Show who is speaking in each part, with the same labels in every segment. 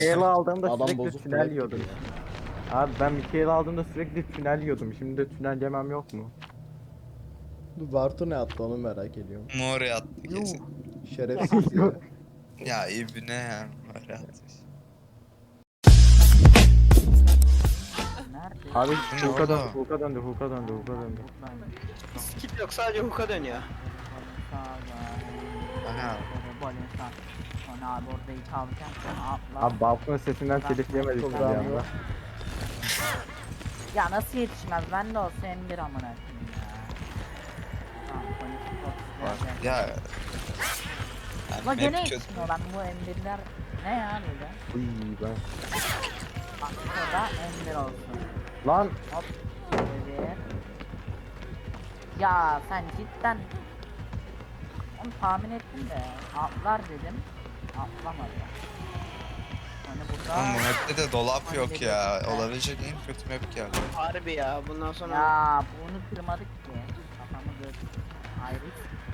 Speaker 1: Mikael'i aldığımda
Speaker 2: Adam
Speaker 1: sürekli
Speaker 2: bozuk
Speaker 1: tünel
Speaker 2: kulak
Speaker 1: yiyordum.
Speaker 2: gibi ya.
Speaker 1: Abi ben Mikael'i aldığımda sürekli tünel yiyordum. Şimdi de tünel yemem yok mu?
Speaker 2: Bu Bartu ne yaptı onu merak ediyorum.
Speaker 3: Mor attı
Speaker 4: Yuh.
Speaker 3: kesin.
Speaker 2: Şerefsiz ya.
Speaker 3: Ya ibne ya mor atmış.
Speaker 4: Nerede?
Speaker 1: Abi
Speaker 3: Bu ne
Speaker 1: Hulk'a döndü,
Speaker 3: oğlum?
Speaker 1: Hulk'a döndü, Hulk'a döndü, Hulk'a döndü.
Speaker 5: Skip yok, sadece hook'a dönüyor.
Speaker 3: Aha.
Speaker 4: Sonra abi orada ilk alacağım sen atla.
Speaker 1: Abi Balkon'un sesinden telif yemedik
Speaker 2: Çok
Speaker 1: bir
Speaker 2: rahat
Speaker 1: anda.
Speaker 2: var.
Speaker 4: Ya nasıl yetişmez? Ben de olsa M1 amına koyayım ya. Tamam, polis çok güzel.
Speaker 3: Ya.
Speaker 4: Ama
Speaker 3: Yani
Speaker 4: gene
Speaker 3: map kötü.
Speaker 4: yetişmiyor lan bu M1'ler. Ne ya böyle?
Speaker 1: Uy ben.
Speaker 4: Bak şurada M1 olsun.
Speaker 1: Lan
Speaker 4: Hop. M1. Ya sen cidden onu tahmin ettim de atlar dedim. Atlamadı. Hani burada
Speaker 3: Oğlum bu map'te de dolap yok ya. Olabilecek en kötü map geldi.
Speaker 5: Harbi ya, bundan sonra
Speaker 4: ya bunu kırmadık ki. Kafamı göz. Ayrı.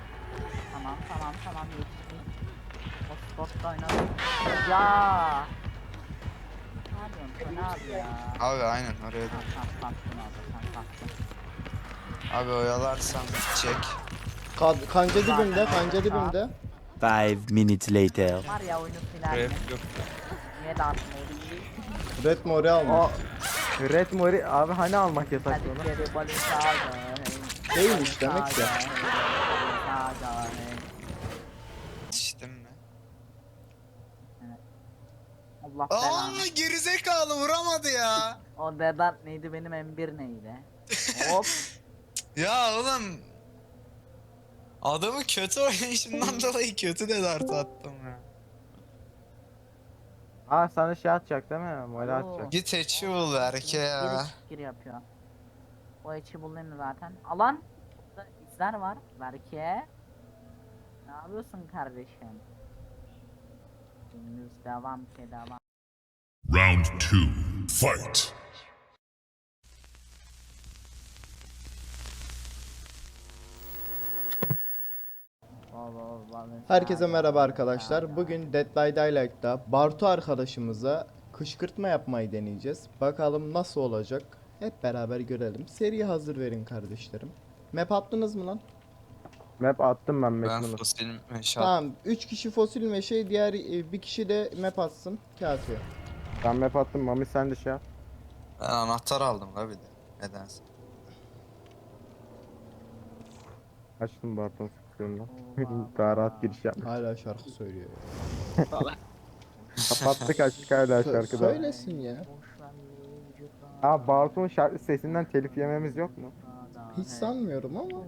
Speaker 4: Tamam yetiştim. O spotta oynadım. Ya. Ne yapıyorsun sen abi ya?
Speaker 3: Abi aynen oraya da.
Speaker 4: Tamam sattın abi sen sattın.
Speaker 3: Abi oyalarsan çek.
Speaker 2: Kanca dibimde, kanca dibimde.
Speaker 6: 5 minutes later.
Speaker 4: Var ya oyunu silerdim.
Speaker 3: Rap yok.
Speaker 4: Niye dağıtmayı?
Speaker 2: Red Mori almış.
Speaker 1: o Red Mori abi hani almak yasak
Speaker 4: Hadi
Speaker 1: onu?
Speaker 4: geri balın sağa.
Speaker 2: Değilmiş demek ki.
Speaker 3: Yetiştim mi?
Speaker 4: Allah
Speaker 3: Aa
Speaker 4: belanı.
Speaker 3: gerizekalı vuramadı ya.
Speaker 4: O Dedat neydi benim M1 neydi? Hop.
Speaker 3: Ya oğlum. Adamı kötü oynayışından dolayı kötü de dart attım ya.
Speaker 1: Aa sana şey atacak değil mi? Mori
Speaker 4: Oo.
Speaker 1: atacak.
Speaker 3: Git hatch'i bul Berke ya.
Speaker 4: Gir yapıyor. O içi bulayım zaten. Alan. Burada izler var. Belki. Ne yapıyorsun kardeşim? Günümüz devam ki devam.
Speaker 7: Round 2. Fight.
Speaker 2: Herkese merhaba arkadaşlar. Bugün Dead by Daylight'ta Bartu arkadaşımıza kışkırtma yapmayı deneyeceğiz. Bakalım nasıl olacak? Hep beraber görelim. Seriye hazır verin kardeşlerim. Map attınız mı lan?
Speaker 1: Map attım ben
Speaker 3: Ben
Speaker 1: Mekman'ı.
Speaker 3: fosil meşal.
Speaker 2: Tamam. 3 kişi fosil meşe, diğer bir kişi de map atsın. Kafi.
Speaker 1: Ben map attım Mami sen de şey yap.
Speaker 3: Ben anahtar aldım la bir de. Nedense.
Speaker 1: Açtım Barton sıkıntımdan. Daha rahat giriş yap.
Speaker 2: Hala şarkı söylüyor.
Speaker 1: Kapattık açtık hala şarkıda.
Speaker 2: Söylesin ya.
Speaker 1: Aa Barton şarkı sesinden telif yememiz yok mu?
Speaker 2: Hiç sanmıyorum ama.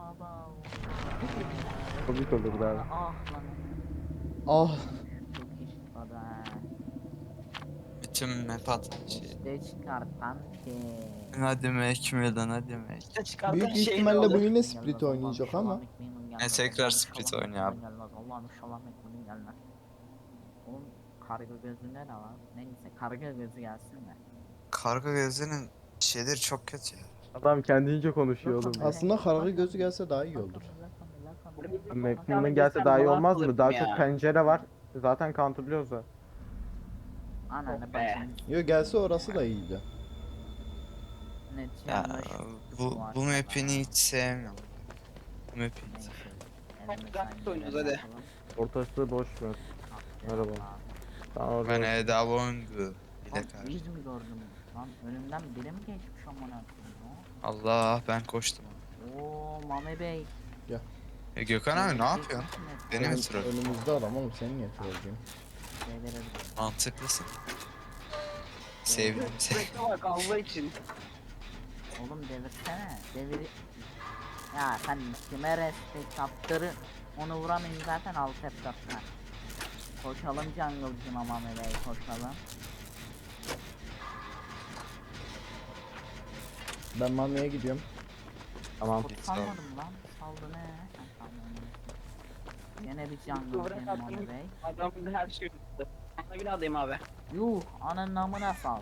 Speaker 1: Komik olurdu abi.
Speaker 4: Ah lan.
Speaker 2: Ah.
Speaker 4: Çok iş çıkmadı ha.
Speaker 3: Bütün map atan şey.
Speaker 4: İşte çıkartan şey.
Speaker 3: Hadi mek lan hadi mek.
Speaker 5: işte çıkartan
Speaker 2: Büyük
Speaker 5: şey ne
Speaker 2: ihtimalle
Speaker 5: olur?
Speaker 2: bu yine split oynayacak ama.
Speaker 3: tekrar split oynuyor abi.
Speaker 4: Allah'ım inşallah Mekman'ın gelmez. Oğlum karga gözünde ne var? Neyse karga gözü gelsin de.
Speaker 3: Karga gözünün şeyleri çok kötü ya.
Speaker 1: Adam kendince konuşuyor oğlum.
Speaker 2: Aslında karga gözü gelse daha iyi olur.
Speaker 1: Mekman'ın gelse daha iyi olmaz mı? Daha çok pencere var. Zaten counterlıyoruz da.
Speaker 4: Ananı
Speaker 5: Be.
Speaker 4: bacını.
Speaker 2: Yo gelse orası da iyiydi.
Speaker 4: Net
Speaker 3: Ya
Speaker 4: yanlış.
Speaker 3: bu map'ini hiç sevmiyorum. Bu map'i hiç
Speaker 4: Neyse.
Speaker 5: Dart oynuyoruz hadi.
Speaker 1: Ortası boş ver. Merhaba. Tamam
Speaker 3: Ben
Speaker 1: orada.
Speaker 3: Eda Bongu ile
Speaker 4: Lan
Speaker 3: karşı.
Speaker 4: yüz mü gördüm? Lan önümden biri mi geçmiş amına koyayım?
Speaker 3: Allah ben koştum.
Speaker 4: Oo Mame Bey.
Speaker 3: Gökhan abi ne yapıyorsun? Beni mi troll?
Speaker 2: Önümüzde adam oğlum, seni niye trolleyeyim?
Speaker 3: Mantıklısın. Sevdim seni.
Speaker 5: Bekle bak Allah için.
Speaker 4: Oğlum devirsene. Devir. Ya sen kime respekt yaptırı onu vuramayın zaten alt F4'ten. Koşalım jungle'cım Mame Bey koşalım.
Speaker 2: Ben Mami'ye gidiyorum.
Speaker 1: Tamam.
Speaker 4: Kurt salmadım lan. Saldı ne? Sen salmadın. Yine bir jungle
Speaker 5: Duvara
Speaker 4: benim Mame
Speaker 5: kattım.
Speaker 4: Bey.
Speaker 5: Adamın her şeyi unuttu. Sana bir adayım abi.
Speaker 4: Yuh ananın namına sal.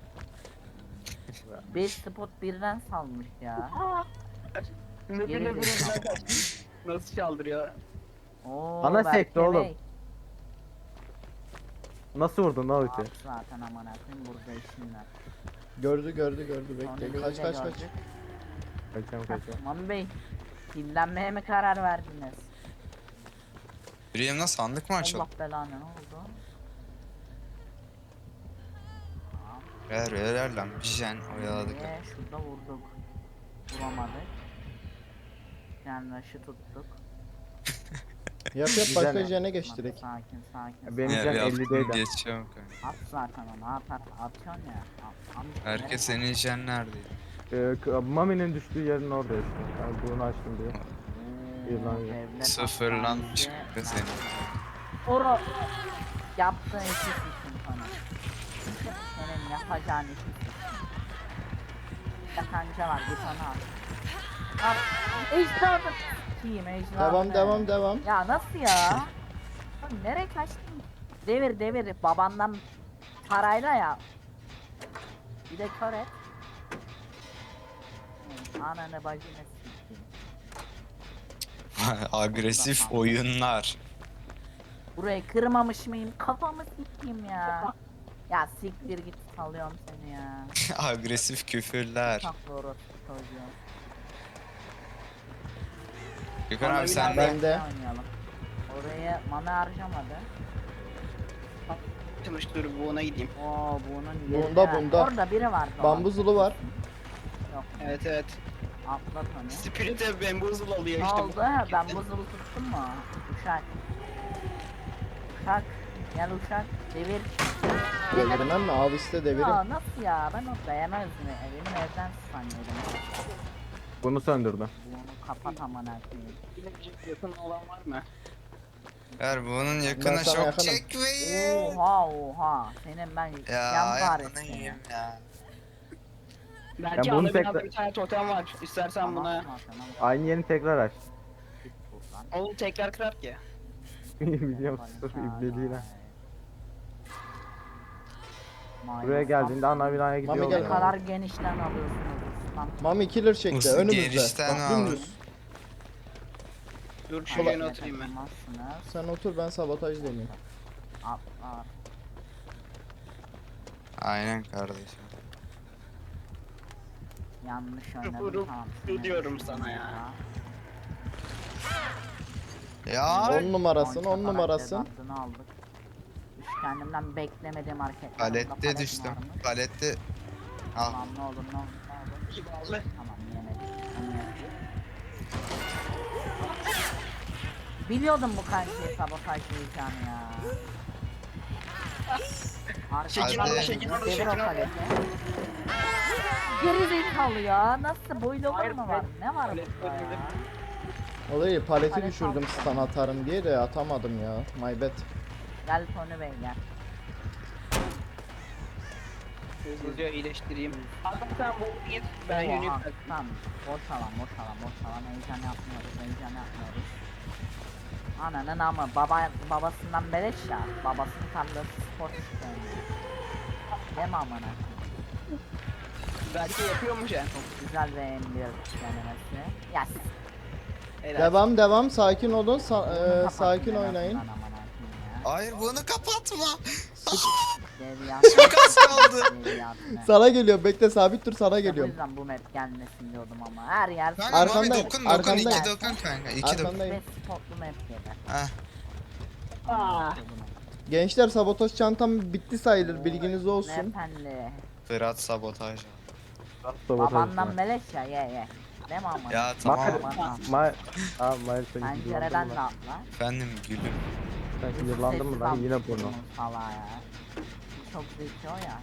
Speaker 4: 5 spot birden salmış ya.
Speaker 5: Ne
Speaker 4: Geri
Speaker 5: bile
Speaker 4: zekalı.
Speaker 5: nasıl çaldırıyor?
Speaker 4: Oo,
Speaker 1: Ana
Speaker 4: Berke
Speaker 1: sekti oğlum.
Speaker 4: Bey.
Speaker 1: Nasıl vurdun lan ulti?
Speaker 4: At zaten aman akıyım burada işinler.
Speaker 2: Gördü
Speaker 4: Sonra
Speaker 2: bekle.
Speaker 4: Bey'i
Speaker 2: Kaç
Speaker 4: de
Speaker 2: kaç kaç.
Speaker 4: gördük.
Speaker 1: Kaçıyorum.
Speaker 4: Mami Bey, dinlenmeye mi karar verdiniz?
Speaker 3: Yüreğimden sandık mı açıldı?
Speaker 4: Allah belanı, ne oldu?
Speaker 3: Ver lan bir jen oyaladık.
Speaker 4: Şurada vurduk. Vuramadık. Yani rush'ı tuttuk.
Speaker 2: Yap
Speaker 1: Güzel
Speaker 2: başka
Speaker 1: ya.
Speaker 2: jene geç direkt.
Speaker 4: Sakin.
Speaker 1: Benim
Speaker 3: Ya
Speaker 1: can
Speaker 3: bir
Speaker 1: 50'deydi.
Speaker 3: hafta geçiyorum kanka.
Speaker 4: At zaten onu, at atıyorsun ya.
Speaker 3: Herkes senin jen neredeydi?
Speaker 1: Mami'nin düştüğü yerin orada işte. Ben bunu açtım diye. İyi lan.
Speaker 3: Sıfırlanmış kanka senin.
Speaker 4: Oro yaptığın işi sıçın sana. Senin yapacağın işi sıçın. Yakanca var, git onu al. Al. Ejderha. Kim ejderha?
Speaker 2: Devam.
Speaker 4: Ya nasıl ya? Oğlum nereye kaçtın? Devir babandan parayla ya. Bir de kör et. Ananı bacını sikeyim.
Speaker 3: Agresif oyunlar.
Speaker 4: Burayı kırmamış mıyım? Kafamı sikeyim ya. Ya siktir git, salıyorum seni ya.
Speaker 3: Agresif küfürler.
Speaker 4: Çok doğru çocuğum.
Speaker 3: Gökhan abi sen de
Speaker 2: Ben de.
Speaker 4: Oynayalım. Oraya mana harcamadı.
Speaker 5: Çalışmış dur bu ona gideyim.
Speaker 4: Oo bunun
Speaker 2: Bunda,
Speaker 4: yerine-
Speaker 2: bunda.
Speaker 4: Orada biri var.
Speaker 2: Bambuzulu var.
Speaker 4: Yok.
Speaker 5: Evet.
Speaker 4: Atlat onu.
Speaker 5: Spirit'e bamboozle alıyor
Speaker 4: Ne
Speaker 5: işte.
Speaker 4: oldu? Ha, ben buzulu tuttum mu? Uşak. Uşak. Gel uşak. Devir.
Speaker 2: Devirmem mi? Al işte devirim.
Speaker 4: Ya nasıl ya? Ben o dayanamaz mı? Benim evden sanıyordum.
Speaker 1: Bunu söndürdü.
Speaker 4: Bunu kapat aman koyayım.
Speaker 5: Yakın olan var mı?
Speaker 3: ver bunun
Speaker 2: Ben
Speaker 3: yakına
Speaker 2: sana
Speaker 3: şok
Speaker 2: yakınım.
Speaker 3: çekmeyin.
Speaker 4: Oha. Senin ben
Speaker 3: Ya
Speaker 4: yan
Speaker 3: ayağını
Speaker 4: paresini.
Speaker 3: yiyeyim ya.
Speaker 5: Belki
Speaker 1: Ya bunu
Speaker 5: ana binada
Speaker 1: tekrar-
Speaker 5: bir tane totem var. İstersen buna.
Speaker 1: Aynı yerini tekrar aç.
Speaker 5: Oğlum tekrar kırar ki.
Speaker 1: Biliyorum sırf ibliliğine. Buraya geldiğinde ana binaya gidiyor.
Speaker 2: Mami
Speaker 4: Ne
Speaker 2: gel.
Speaker 4: kadar genişten alıyorsunuz ustam.
Speaker 2: Mami killer çekti
Speaker 3: Nasıl
Speaker 2: önümüzde.
Speaker 3: gerişten
Speaker 2: Bak
Speaker 3: aldın?
Speaker 2: dümdüz.
Speaker 5: Dur şu
Speaker 4: Hayır,
Speaker 5: yerine oturayım ben.
Speaker 4: takılmazsınız.
Speaker 2: Sen otur ben sabotaj deneyeyim.
Speaker 4: Atlar.
Speaker 3: Aynen kardeşim.
Speaker 4: Yanlış oynadım,
Speaker 5: Vurup
Speaker 4: tamam.
Speaker 5: diyorum sana ya.
Speaker 3: Ya
Speaker 2: 10 numarasın 10
Speaker 4: Karakter
Speaker 2: numarasın.
Speaker 4: adını aldık. Üç kendimden beklemediğim hareketler.
Speaker 3: palette düştüm. Palette al.
Speaker 4: Tamam ne olur ne olur ne olur.
Speaker 5: Vallahi.
Speaker 4: Tamam yemedim. Onu yedim. Biliyordum bu kankiyi sabotajlayacağını ya.
Speaker 5: Şekil
Speaker 3: Hadi.
Speaker 5: aldı, şekil aldı,
Speaker 4: Devir
Speaker 5: şekil
Speaker 4: o
Speaker 5: aldı.
Speaker 4: paleti. Geri zekalı ya. Nasıl boylu olur
Speaker 5: Hayır,
Speaker 4: mu var? Ne var
Speaker 5: palet
Speaker 4: burada ya?
Speaker 5: bölümünde.
Speaker 2: Olayı paleti
Speaker 4: Palet
Speaker 2: düşürdüm
Speaker 4: aldım.
Speaker 2: stun atarım diye de atamadım ya. My bad.
Speaker 4: Gel Tony Bey gel.
Speaker 5: Hızlıca iyileştireyim. Adam sen bu git. Ben
Speaker 4: Oha,
Speaker 5: yöneyim.
Speaker 4: tamam. Boş alan. Heyecan yapmıyoruz. Ananın ama babasından beleş ya. Babasının tarlası spor istiyor. Değil mi amına?
Speaker 5: Belki yapıyormuş ya.
Speaker 4: Çok güzel ve en bir denemesi. Ya siz
Speaker 5: Helal.
Speaker 2: Devam sakin olun
Speaker 4: kapatın
Speaker 2: sakin
Speaker 4: en
Speaker 2: oynayın.
Speaker 4: azından amına koyayım ya.
Speaker 3: Hayır bunu kapatma.
Speaker 4: Devriyat.
Speaker 3: Çok az kaldı.
Speaker 4: Devriyat ne?
Speaker 2: Sana geliyor bekle sabit dur sana
Speaker 4: O
Speaker 2: geliyorum.
Speaker 4: yüzden bu map gelmesin diyordum ama her yer
Speaker 3: Kanka abi
Speaker 2: Arkandayım,
Speaker 3: dokun
Speaker 2: arkandayım.
Speaker 3: iki dokun kanka. İki dokun.
Speaker 2: Arkandayım.
Speaker 4: ve spotlu map gibi.
Speaker 3: Heh.
Speaker 5: Aa.
Speaker 2: Gençler sabotaj çantam bitti sayılır bilginiz olsun.
Speaker 4: Efendi.
Speaker 3: Fırat sabotaj.
Speaker 4: Babandan beleş ya ye. Değil mi amına?
Speaker 3: Ya tamam.
Speaker 4: Babandan.
Speaker 1: Mahir seni
Speaker 4: Pencereden
Speaker 1: yıllandın
Speaker 4: de
Speaker 1: mı?
Speaker 4: atla.
Speaker 3: Efendim gülüm.
Speaker 1: Sen yıllandın mı lan yine porno.
Speaker 4: Salağa ya. Çok zeki o ya.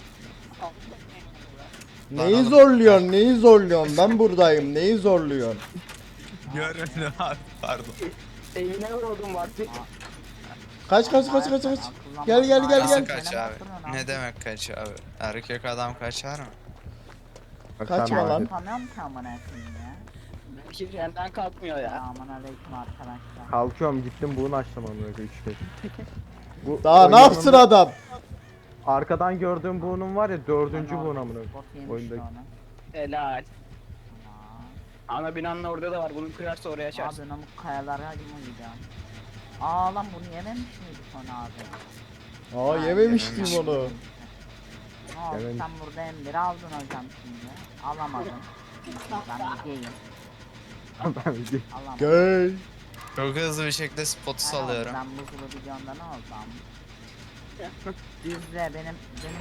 Speaker 2: Neyi zorluyorsun neyi zorluyorsun ben buradayım neyi zorluyorsun.
Speaker 3: Görün abi pardon.
Speaker 5: Evine vurdum vakti.
Speaker 2: Kaç. Gel, gel, gel,
Speaker 3: Nasıl
Speaker 2: gel.
Speaker 3: kaç abi? Ne demek kaç abi? Erkek adam kaçar mı?
Speaker 1: Bak
Speaker 2: Kaçma
Speaker 1: sen
Speaker 2: lan.
Speaker 1: Mahir.
Speaker 4: Tanıyorum ki amına koyayım ya.
Speaker 5: Belki senden kalkmıyor ya.
Speaker 4: Selamun aleyküm arkadaşlar.
Speaker 1: Kalkıyorum gittim bunu açtım amına koyayım 3 kez. Bu
Speaker 2: Daha ne
Speaker 1: oyunun
Speaker 2: yapsın adam?
Speaker 1: Arkadan gördüğüm bunun var ya 4. bunun amına koyayım.
Speaker 4: Bot yemiş
Speaker 1: Oyundaki.
Speaker 4: onu.
Speaker 5: Helal.
Speaker 4: Aa.
Speaker 5: Ana binanın orada da var. Bunu kırarsa oraya açarsın.
Speaker 4: Abi namık kayalara mı gidiyorsun? Aa lan bunu yememiş miydik onu abi?
Speaker 2: Aa yememiştim onu.
Speaker 4: Ne oldu
Speaker 1: Evet.
Speaker 4: sen burada M1'i aldın hocam şimdi. Alamadın. Ben gideyim.
Speaker 1: Ben bir
Speaker 4: Alamadım.
Speaker 2: Gay.
Speaker 3: Çok hızlı bir şekilde spotu
Speaker 4: Ne oldu?
Speaker 3: salıyorum.
Speaker 4: Ben buzulu videomda ne oldu ama? Düzle benim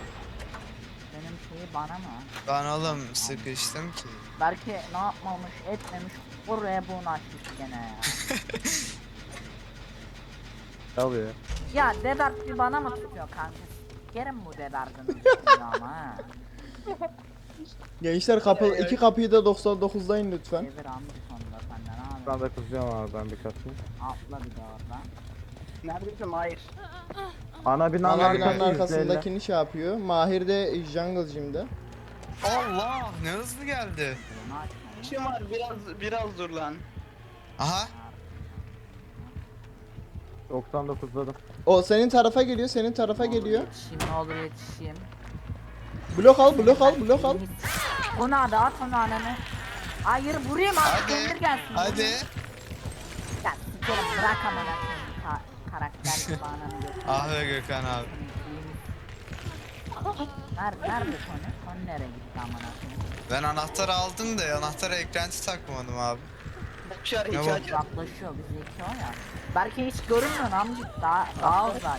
Speaker 4: şeyi bana mı?
Speaker 3: Ben oğlum sıkıştım ki.
Speaker 4: Belki ne yapmamış etmemiş oraya bunu açmış gene ya.
Speaker 1: alıyor.
Speaker 4: Ya Dedart bir bana mı tutuyor kanka? Sikerim bu Dedart'ın üstüne ama ha.
Speaker 2: Gençler iki kapıyı da 99'dayın lütfen.
Speaker 4: Devir amca sonunda senden abi.
Speaker 1: Ben de kızıyorum abi ben bir katayım.
Speaker 4: Atla bir de oradan.
Speaker 5: Neredesin? Hayır.
Speaker 1: Ana binanın
Speaker 2: Ana binanın
Speaker 1: arkasındakini
Speaker 2: arkasındakini şey yapıyor. Mahir de jungle gym'de.
Speaker 3: Allah ne hızlı geldi.
Speaker 4: Bunu açma.
Speaker 5: İşim var biraz dur lan.
Speaker 3: Aha
Speaker 1: 99'ladım.
Speaker 2: O senin tarafa geliyor, senin tarafa geliyor.
Speaker 4: Yetişeyim ne olur yetişeyim.
Speaker 2: Blok al, blok al, blok al.
Speaker 4: Ona da at onu ananı. Hayır vurayım abi
Speaker 3: hadi
Speaker 4: gönder gelsin.
Speaker 3: hadi.
Speaker 4: Ya sikerim bırak amına koyayım. Karakter gibi ananı götür.
Speaker 3: Ah be Gökhan abi.
Speaker 4: Nerede Tony? Tony nereye gitti amına koyayım?
Speaker 3: Ben anahtarı aldım da anahtara eklenti takmadım abi.
Speaker 5: Dışarı
Speaker 3: Ne
Speaker 5: hiç
Speaker 3: bu?
Speaker 5: aç.
Speaker 4: Uzaklaşıyor bizi iki o ya. Belki hiç görünmüyor amcık daha uzak.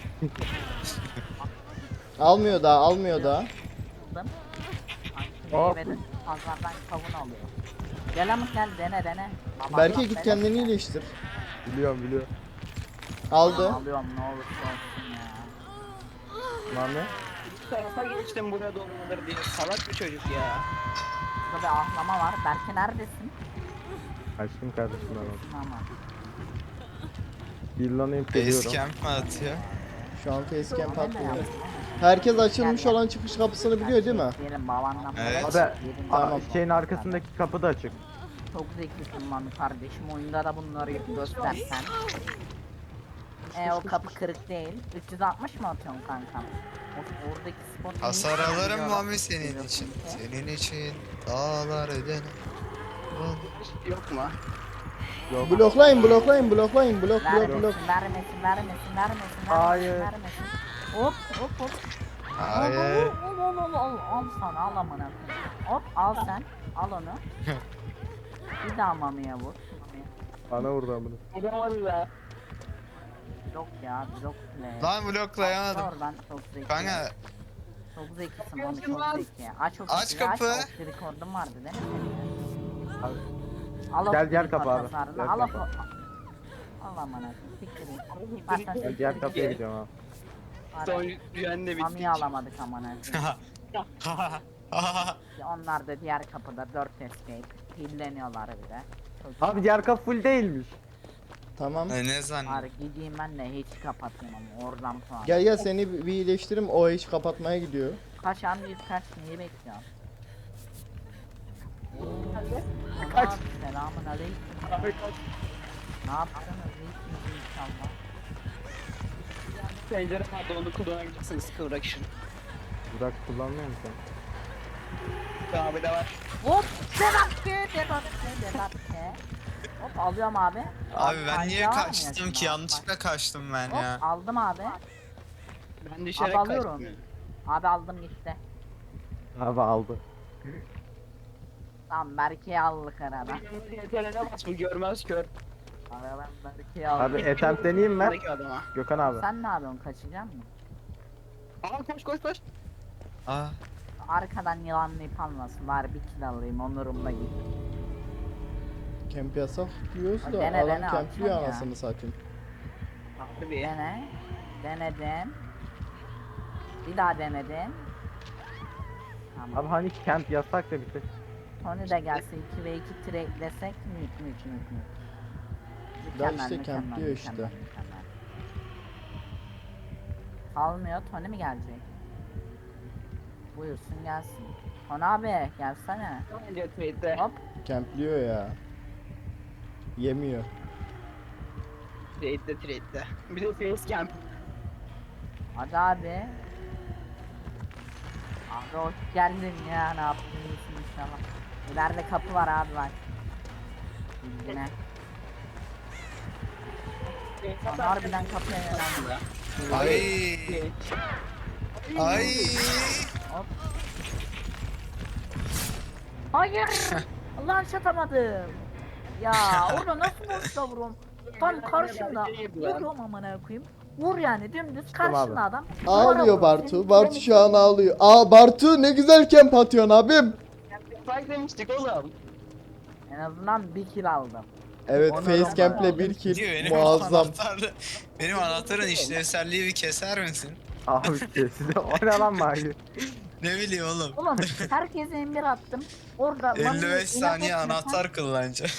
Speaker 2: Almıyor daha, almıyor daha.
Speaker 4: Buldum.
Speaker 1: Hop.
Speaker 4: Meyveden pazardan kavun alıyor. Gel ama gel dene. Baba,
Speaker 2: Berke
Speaker 4: bak,
Speaker 2: git
Speaker 4: dene.
Speaker 2: kendini iyileştir.
Speaker 1: Biliyorum.
Speaker 2: Aldı.
Speaker 4: Alıyorum ne olursa olsun ya.
Speaker 1: Lan ne?
Speaker 5: Bu tarafa geçtim buraya doğrudur diye. Salak bir çocuk ya.
Speaker 4: Burada bir ahlama var. Berke neredesin?
Speaker 1: Açtım kardeşim ben onu.
Speaker 4: Ama.
Speaker 1: Villanayım
Speaker 3: Base
Speaker 1: geliyorum.
Speaker 3: camp mi atıyor?
Speaker 2: Şu an facecamp atmıyor. Herkes açılmış olan çıkış kapısını biliyor değil mi?
Speaker 4: Yerim babandan.
Speaker 3: Evet.
Speaker 1: Abi
Speaker 2: Tamam.
Speaker 1: şeyin arkasındaki kapı da açık.
Speaker 4: Çok zekisin lan kardeşim. Oyunda da bunları göstersen. O kapı kırık değil. 360 mı atıyorsun kankam? Oradaki spot
Speaker 3: Hasar
Speaker 4: neymiş?
Speaker 3: alırım
Speaker 4: Biliyorum.
Speaker 3: mami senin
Speaker 4: Biliyorsun
Speaker 3: için.
Speaker 4: ki.
Speaker 3: Senin için dağlar öderim.
Speaker 5: Yok mu?
Speaker 2: Bloklayın, bloklayın, bloklayın, blok, blok,
Speaker 4: Vermesin,
Speaker 2: blok.
Speaker 4: vermesin.
Speaker 1: Hayır.
Speaker 4: Vermesin. Hop.
Speaker 3: Hayır.
Speaker 4: Al sana al amına koyayım. Hop al sen. Al onu. Bir daha mamiye vur.
Speaker 1: Bana vurdu amına.
Speaker 5: Vuramadı da.
Speaker 4: Blok ya blok play.
Speaker 3: Lan bloklayamadım.
Speaker 4: Oradan çok zeki.
Speaker 3: Kanka
Speaker 4: Çok zekisin onu çok zeki. Aç o
Speaker 3: Aç
Speaker 4: kapıyı,
Speaker 3: kapı.
Speaker 4: Aç o record'un vardı değil mi senin?
Speaker 1: Abi,
Speaker 4: Al o
Speaker 1: Gel, diğer
Speaker 4: record
Speaker 1: kapı abi.
Speaker 4: hasarını,
Speaker 1: Diğer
Speaker 4: Al o
Speaker 1: kapı.
Speaker 4: Al amına koyayım. Siktir
Speaker 1: Ben diğer kapıya gidiyorum abi.
Speaker 5: Son düğenle bitti.
Speaker 4: Mami'yi alamadık amına koyayım. Onlar da diğer kapıda 4 escape. Hilleniyorlar bir de. Çok
Speaker 1: Abi diğer kapı full değilmiş.
Speaker 2: Tamam.
Speaker 3: ne zannediyorsun?
Speaker 4: Bari gideyim ben de hiç kapatayım ama oradan sonra.
Speaker 2: Gel gel seni bir iyileştiririm. O hiç kapatmaya gidiyor.
Speaker 4: Kaç an bir kaç neyi bekliyorsun?
Speaker 1: Kaç.
Speaker 4: Selamun aleyküm. Ne yaptınız? İyisiniz inşallah.
Speaker 5: Pencere vardı onu kullanabilirsiniz kıvrak işin.
Speaker 1: Burak kullanmıyor musun?
Speaker 5: Abi de var.
Speaker 4: Hop! Debakke. Hop alıyorum abi.
Speaker 3: Abi ben niye
Speaker 4: Kaynağı
Speaker 3: kaçtım
Speaker 4: almıyorsun
Speaker 3: ki?
Speaker 4: abi.
Speaker 3: Yanlışlıkla kaçtım ben
Speaker 4: Hop
Speaker 3: ya.
Speaker 4: aldım abi.
Speaker 5: Ben düşerek
Speaker 4: Abi alıyorum.
Speaker 5: kaçtım.
Speaker 4: Abi aldım gitti.
Speaker 1: Abi aldı.
Speaker 4: Tamam Berke'yi aldık arada.
Speaker 5: Yeterine bas bu görmez kör.
Speaker 4: Aradan Berke'yi aldık.
Speaker 1: Abi attempt deneyeyim mi?
Speaker 5: Buradaki adama.
Speaker 1: Gökhan abi.
Speaker 4: Sen ne yapıyorsun kaçacak mısın?
Speaker 5: Aa koş.
Speaker 3: Aa,
Speaker 4: Arkadan yılanlayıp almasın bari bir kill alayım onurumla git.
Speaker 2: Camp yasak diyoruz da
Speaker 4: Dene,
Speaker 2: adam
Speaker 4: dene,
Speaker 2: campliyor
Speaker 4: alsana ya.
Speaker 2: anasını satayım.
Speaker 5: Haklı bir.
Speaker 4: Denedim. Bir daha denedim. Tamam.
Speaker 1: Abi hani camp yasak da bitti.
Speaker 4: Tony de gelse 2 ve 2 trade'lesek mük.
Speaker 2: Ya işte campliyor işte.
Speaker 4: mükemmel. Almıyor Tony mi gelecek? Buyursun gelsin. Tony abi gelsene.
Speaker 5: Önce trade'de.
Speaker 4: Hop.
Speaker 2: Campliyor ya. Yemiyor.
Speaker 5: Trade'de. Bir de face camp.
Speaker 4: Hadi abi. Abi hoş geldin ya ne yaptın iyisin inşallah. İleride kapı var abi bak. Bilgine. Harbiden kapıya yöneldi.
Speaker 3: Ay. Ay.
Speaker 4: Hayır. Lan şatamadım. Ya orada nasıl boşta vuruyorum? Tam karşımda. Vuruyorum amına koyayım. Vur yani dümdüz karşında adam. Duvara
Speaker 2: Ağlıyor
Speaker 4: vuruyor.
Speaker 2: Bartu.
Speaker 4: Senin
Speaker 2: Bartu şu an ağlıyor. Aa Bartu ne güzel kemp atıyorsun abim.
Speaker 5: Fight demiştik oğlum.
Speaker 4: En azından bir kill aldım.
Speaker 2: Evet
Speaker 4: Onu
Speaker 2: Facecamp'le
Speaker 4: da-
Speaker 2: bir kill
Speaker 3: Diyor benim
Speaker 2: muazzam.
Speaker 3: benim anahtarın işlevselliği bir keser misin?
Speaker 1: Abi size o ne lan Mahir?
Speaker 3: Ne bileyim oğlum.
Speaker 4: Oğlum herkese emir attım. Orada
Speaker 3: 55 saniye
Speaker 4: inat etmiyorsan-
Speaker 3: anahtar kullanacağım.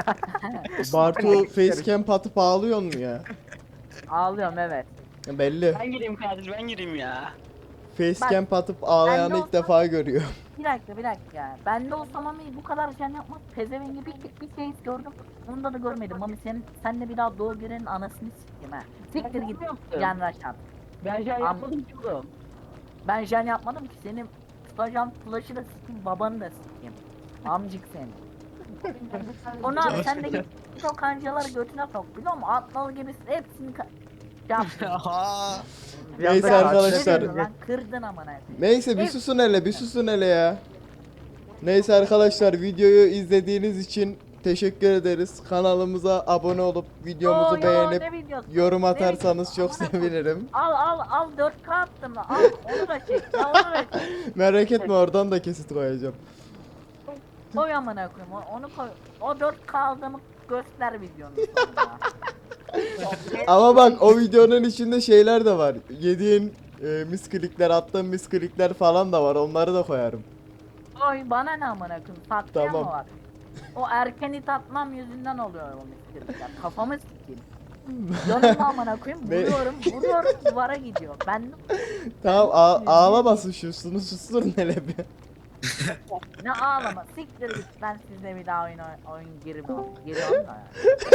Speaker 2: Bartu facecamp atıp ağlıyor mu ya?
Speaker 4: Ağlıyorum evet.
Speaker 2: Belli.
Speaker 5: Ben gireyim kardeş ben gireyim ya.
Speaker 2: Facecamp atıp ağlayanı
Speaker 4: ben de
Speaker 2: ilk defa görüyor.
Speaker 4: Bir dakika. Ben de olsam Mami bu kadar can yapmaz. Pezevengi bir şey gördüm. Onda da görmedim. Mami senle bir daha doğu girenin anasını sikeyim ha. Siktir git. Yan raşat.
Speaker 5: Ben şey yapmadım ki oğlum.
Speaker 4: Ben jen yapmadım ki senin tutacağım flash'ı da sikeyim, babanı da sikeyim. Amcık seni. Onu abi sen de git o kancaları götüne sok biliyor musun? Atlalı gibi hepsini yaptın.
Speaker 3: Aha.
Speaker 1: Bir
Speaker 2: Neyse
Speaker 1: anda
Speaker 2: arkadaşlar.
Speaker 1: karşıya
Speaker 4: Lan kırdın amına.
Speaker 2: Neyse bir susun hele bir susun hele ya. Neyse arkadaşlar videoyu izlediğiniz için teşekkür ederiz. Kanalımıza abone olup videomuzu beğenip yorum atarsanız çok sevinirim.
Speaker 4: Al 4K attım lan. Al onu da çek. Ya onu da çek.
Speaker 2: Merak etme oradan da kesit koyacağım.
Speaker 4: Koy amına koyayım. Onu koy. O 4K aldığımı göster videonun sonunda.
Speaker 2: Ama bak o videonun içinde şeyler de var. Yediğin misklikler, attığın misklikler falan da var. Onları da koyarım.
Speaker 4: Oy bana ne amına koyayım. Tatlıya
Speaker 2: Tamam.
Speaker 4: mı var? O erken it atmam yüzünden oluyor o misklikler. Kafamı sikeyim. Canımı amına koyayım.
Speaker 2: Ne?
Speaker 4: Vuruyorum duvara gidiyor. Ben
Speaker 2: Tamam ağlamasın şu susturun hele bir.
Speaker 4: ne ağlama. Siktir git. Ben sizle bir daha oyun giriyorum da.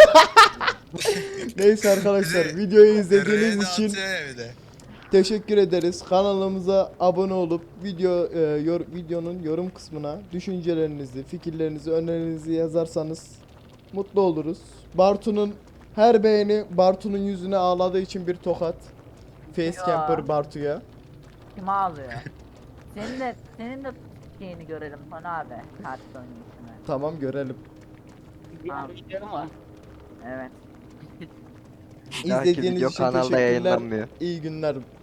Speaker 2: Neyse arkadaşlar
Speaker 3: Bizi-
Speaker 2: videoyu izlediğiniz
Speaker 3: R'de
Speaker 2: için
Speaker 3: atıyor ya bir de.
Speaker 2: teşekkür ederiz. Kanalımıza abone olup videonun yorum kısmına düşüncelerinizi, fikirlerinizi, önerilerinizi yazarsanız mutlu oluruz. Bartu'nun her beğeni Bartu'nun yüzüne ağladığı için bir tokat. Facecamper
Speaker 4: Ya.
Speaker 2: Bartu'ya.
Speaker 4: Kim ağlıyor? Senin de şeyini görelim bana abi. Katil oyuncusu.
Speaker 2: Tamam görelim.
Speaker 5: Bir arkadaşlarım var.
Speaker 4: Evet.
Speaker 2: İzlediğiniz
Speaker 8: video
Speaker 2: için
Speaker 8: kanalda
Speaker 2: teşekkürler.
Speaker 8: yayınlanmıyor.
Speaker 2: İyi günler.